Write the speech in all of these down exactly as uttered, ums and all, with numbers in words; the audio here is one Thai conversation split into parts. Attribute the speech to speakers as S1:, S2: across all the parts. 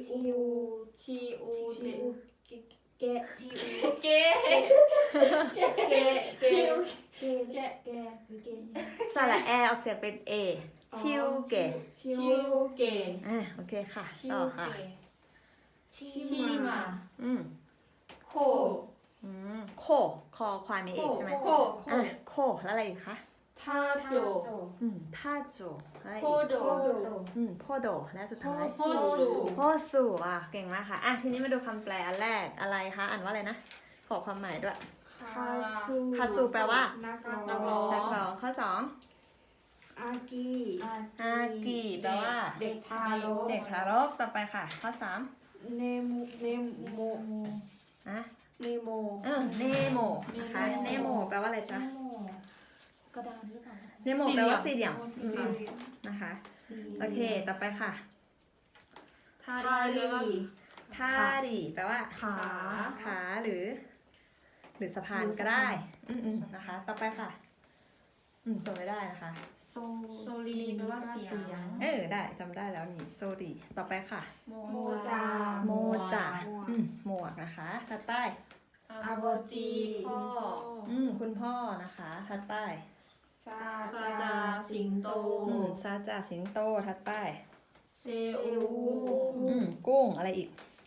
S1: ชิวชิว
S2: ชิวเกะชิว
S1: เกเกเกเก
S2: ชิวเกะแกะแกะหรือเกะ
S3: สระแอออกเสียงเป็น A ชิวเกะ
S2: ชิว
S1: ชิวเก
S3: อ่าโอเคค่ะ
S1: ชิ
S3: ต่
S1: ว
S3: อ
S1: เก
S3: ค่ะ
S1: ชิมา
S3: อืม
S1: โค
S3: อืมโคคอควายมีเอกใช่ไหม
S1: โค
S3: อ่ะโคแล้วอะไรอีกคะ
S1: ทาโจ
S3: อืมท่าโจอะไร
S1: โค
S3: อีก
S1: โด
S3: อืมโพโดและสุดท้าย
S1: โคสู
S3: โพสูอ่ะเก่งมากค่ะอ่ะทีนี้มาดูคำแปลอันแรกอะไรคะอ่านว่าอะไรนะขอความหมายด้วย
S2: คาซู
S3: คาซูแปลว่า
S2: นัก
S1: นักร้
S2: ร้
S1: อ
S2: อง
S3: นักร้องข้อสอง
S2: อากี
S3: อากิแปลว่า
S2: เด็กทารก
S3: เด็กทารกต่อไปค่ะ ข้อสาม
S2: เนมเนโม
S3: นะ
S2: เนโม
S3: เออเนโมนะคะเนโมแปลว่าอะไรจ๊ะ
S2: กระดานหรือเปล่า
S3: เนโมแปลว่าสี่เหลี่ยม
S2: สี่
S3: อื
S2: เหลี่
S3: ม
S2: ยม
S3: นะคะ
S2: สี่
S3: โอเคต่อไปค่ะ
S1: ทา
S2: ทา
S1: รี
S2: รี
S3: ทารีแปลว่า
S2: ขา
S3: ขาหรือ หรือสะพานก็ได้ อืมอืมนะคะ ต่อไปค่ะ อืมจำไม่ได้นะคะ
S2: โซ
S1: โซลีแปลว่าเสียง
S3: เออได้จำได้แล้วนี่โซดีต่อไปค่ะ
S2: โมจา
S3: โมจ่าอืมหมวกนะคะถัดไป
S1: อาโบจีพ่อ
S3: อืมคุณพ่อนะคะถัดไป
S2: ซา
S1: ซาจาสิงโต
S3: อืมซาจ่าสิงโตถัดไป
S1: เซอู
S3: อืมกุ้งอะไรอีก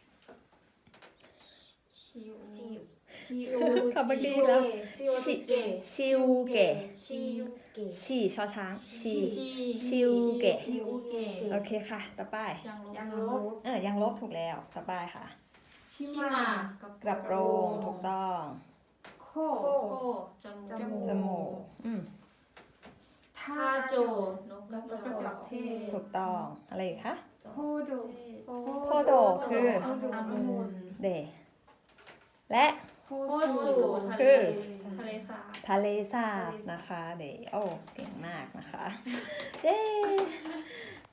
S1: ชิว
S2: ชิว
S1: ชิว
S3: ขับเมื่อกี้แล้ว
S2: ชิวเกะ
S3: ชิวเกะ
S2: ชิวเกะ
S3: ชีชอช้างชี
S1: ชิ
S3: ชิวเกะ
S1: ชิวเกะ
S3: โอเคค่ะ ต่อไป
S1: ยังลบ
S2: ยังลบ
S3: เออยังลบถูกแล้วต่อไปค่ะ
S2: ชิ
S1: ชิ
S2: มา
S1: มา
S3: กระโปรงถูกต้อง
S2: โค
S1: โคจ
S2: จ
S1: มู
S2: มู
S1: ก
S3: จมูกอืม
S2: ทา
S1: ทาโจ
S2: โจ
S1: นกกระจอกเทศ
S3: ถูกต้องอะไรอีกคะ
S2: โคโด
S3: โคโดคือ
S2: องุ่น
S3: เดและ
S2: โค
S1: โค
S2: สู
S1: สู
S3: คื
S1: ทะ
S3: อ
S1: เลทะเลสาบ
S3: ทะเลสาบนะคะเดโอ้เก่งมากนะคะ เย้